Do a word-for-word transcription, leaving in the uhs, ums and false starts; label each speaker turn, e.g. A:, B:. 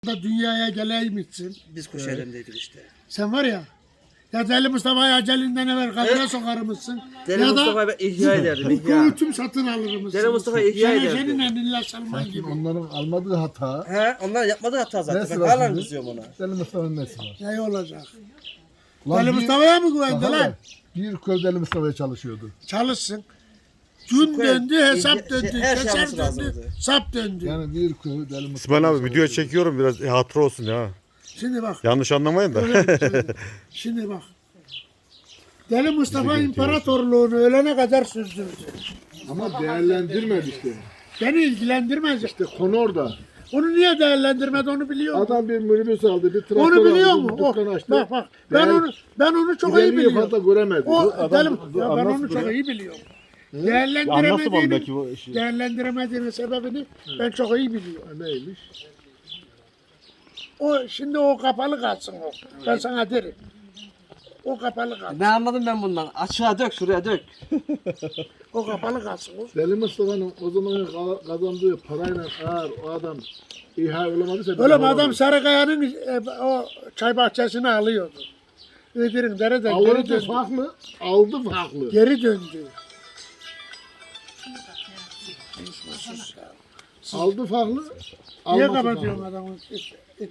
A: da dünyaya geleymişsin.
B: Biz Kuşelim'deydik işte.
A: Sen var ya, ya Deli Mustafa'yı acelinden evvel kapıya sokarmışsın.
B: Deli
A: ya
B: Mustafa'yı ben ihya ederdim,
A: da
B: ihya.
A: hüküm satın alırmışsın.
B: Deli Mustafa'yı ihya
A: Senin
B: ederdim.
A: senin elinle Salman gibi.
C: Onların almadığı hata.
B: He, onlar yapmadığı hata zaten.
C: Nesi
B: Ben
C: var
B: hala
C: şimdi?
B: kızıyorum ona.
C: Deli Mustafa'nın nesi var?
A: Ne olacak?
C: Ulan
A: Deli
C: bir-
A: Mustafa'ya mı güvendi
C: Bak
A: lan?
C: hele, Bir köy Deli Mustafa'ya çalışıyordu.
A: Çalışsın. Gün
B: Şu
A: döndü,
B: koy-
A: hesap
B: şey-
A: döndü,
B: her şey
A: keser
B: yapması
A: döndü,
B: lazımdı.
A: sap döndü.
C: Yani bir köy Deli Mustafa'ya
D: İsmail abi video
C: çalışıyordu.
D: çekiyorum biraz hatıra olsun ya.
A: Şimdi bak.
D: Yanlış anlamayın da.
A: öyle söyleyeyim. Şimdi bak. Deli Mustafa imparatorluğunu ölene kadar sürdürdü.
C: Ama değerlendirmedi işte.
A: Beni ilgilendirmez.
C: İşte konu orada.
A: Onu niye değerlendirmedi onu biliyor musun?
C: Adam bir minibüs aldı, bir traktör
A: Onu biliyor
C: aldı,
A: mu?
C: bir dükkan
A: O,
C: açtı.
A: bak bak. Ben
C: Değer-
A: onu ben onu çok iyi
C: İleriyi
A: biliyorum.
C: fazla göremedi.
A: O
C: Bu adam-
A: Deli,
C: bu
A: ya ben
C: anlasın
A: onu çok
C: bunu.
A: iyi biliyorum.
D: Anlatsın
A: Değerlendiremediğini,
D: bana belki bu işi.
A: değerlendiremediğinin sebebini ben çok iyi biliyorum.
C: Neymiş?
A: O şimdi o kapalı kalsın o. Ben sana derim. O kapalı kalsın.
B: Ne anladım ben bundan? Açığa dök, şuraya dök.
A: O kapalı kalsın o.
C: Deli Mustafa'nın o zaman ka- kazandığı parayla eğer o adam İHA olamadıysa...
A: Öyle mi adam Sarıkaya'nın e, o çay bahçesini alıyordu. Ödürün dereden geri
C: Alırdı
A: döndü.
C: farklı, aldı farklı.
A: Geri döndü.
C: Aldı farklı,
A: Niye
C: alması
A: kapatıyorsun
C: farklı.
A: adamı?